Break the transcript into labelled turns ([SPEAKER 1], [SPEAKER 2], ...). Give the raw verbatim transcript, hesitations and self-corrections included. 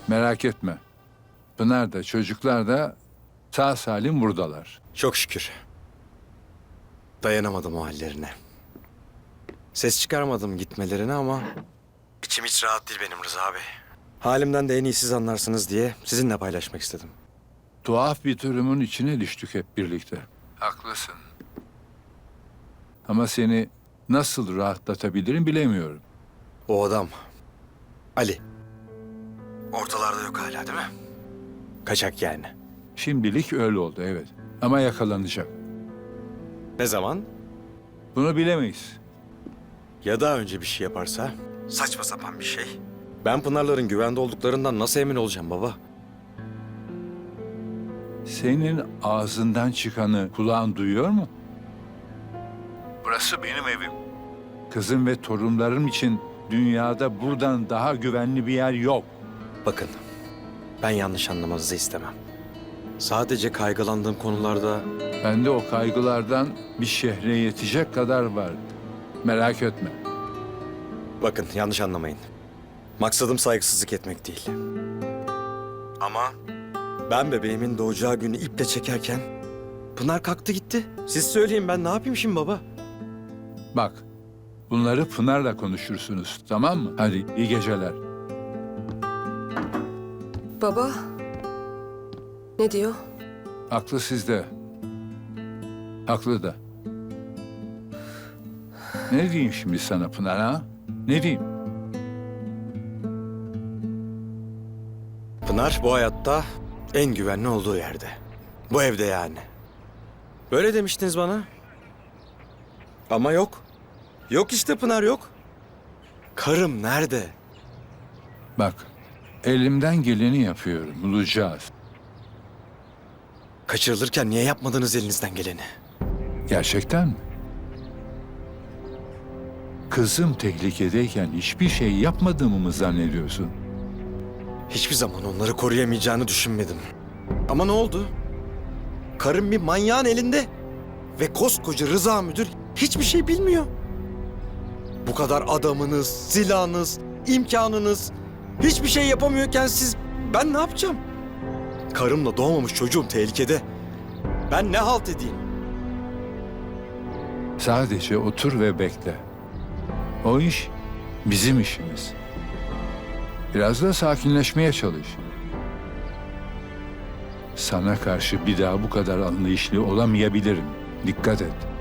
[SPEAKER 1] Merak etme. Pınar da çocuklar da sağ salim buradalar.
[SPEAKER 2] Çok şükür. Dayanamadım o hallerine. Ses çıkarmadım gitmelerine ama... içim hiç rahat değil benim Rıza Bey. Halimden de en iyi siz anlarsınız diye sizinle paylaşmak istedim.
[SPEAKER 1] Tuhaf bir durumun içine düştük hep birlikte. Haklısın. Ama seni nasıl rahatlatabilirim bilemiyorum.
[SPEAKER 2] O adam, Ali. Ortalarda yok hala değil mi? Kaçak yani.
[SPEAKER 1] Şimdilik öyle oldu evet. Ama yakalanacak.
[SPEAKER 2] Ne zaman?
[SPEAKER 1] Bunu bilemeyiz.
[SPEAKER 2] Ya daha önce bir şey yaparsa? Saçma sapan bir şey. Ben Pınar'ların güvende olduklarından nasıl emin olacağım baba?
[SPEAKER 1] Senin ağzından çıkanı kulağın duyuyor mu? Burası benim evim. Kızım ve torunlarım için dünyada buradan daha güvenli bir yer yok.
[SPEAKER 2] Bakın, ben yanlış anlamanızı istemem. Sadece kaygılandığım konularda...
[SPEAKER 1] Bende o kaygılardan bir şehre yetecek kadar var. Merak etme.
[SPEAKER 2] Bakın, yanlış anlamayın. Maksadım saygısızlık etmek değil. Ama ben bebeğimin doğacağı günü iple çekerken... Pınar kalktı gitti. Siz söyleyin, ben ne yapayım şimdi baba?
[SPEAKER 1] Bak, bunları Pınar'la konuşursunuz, tamam mı? Hadi iyi geceler.
[SPEAKER 3] Baba, ne diyor?
[SPEAKER 1] Aklı sizde. Haklı da. Ne diyeyim şimdi sana Pınar ha? Ne diyeyim?
[SPEAKER 2] Pınar bu hayatta en güvenli olduğu yerde. Bu evde yani. Böyle demiştiniz bana. Ama yok. Yok işte Pınar yok. Karım nerede?
[SPEAKER 1] Bak, elimden geleni yapıyorum, bulacağız.
[SPEAKER 2] Kaçırılırken niye yapmadınız elinizden geleni?
[SPEAKER 1] Gerçekten mi? Kızım tehlikedeyken hiçbir şey yapmadığımı mı zannediyorsun?
[SPEAKER 2] Hiçbir zaman onları koruyamayacağını düşünmedim. Ama ne oldu? Karım bir manyağın elinde. Ve koskoca Rıza müdür hiçbir şey bilmiyor. Bu kadar adamınız, silahınız, imkanınız hiçbir şey yapamıyorken siz... Ben ne yapacağım? Karımla doğmamış çocuğum tehlikede. Ben ne halt edeyim?
[SPEAKER 1] Sadece otur ve bekle. O iş bizim işimiz. Biraz da sakinleşmeye çalış. Sana karşı bir daha bu kadar anlayışlı olamayabilirim. Dikkat et.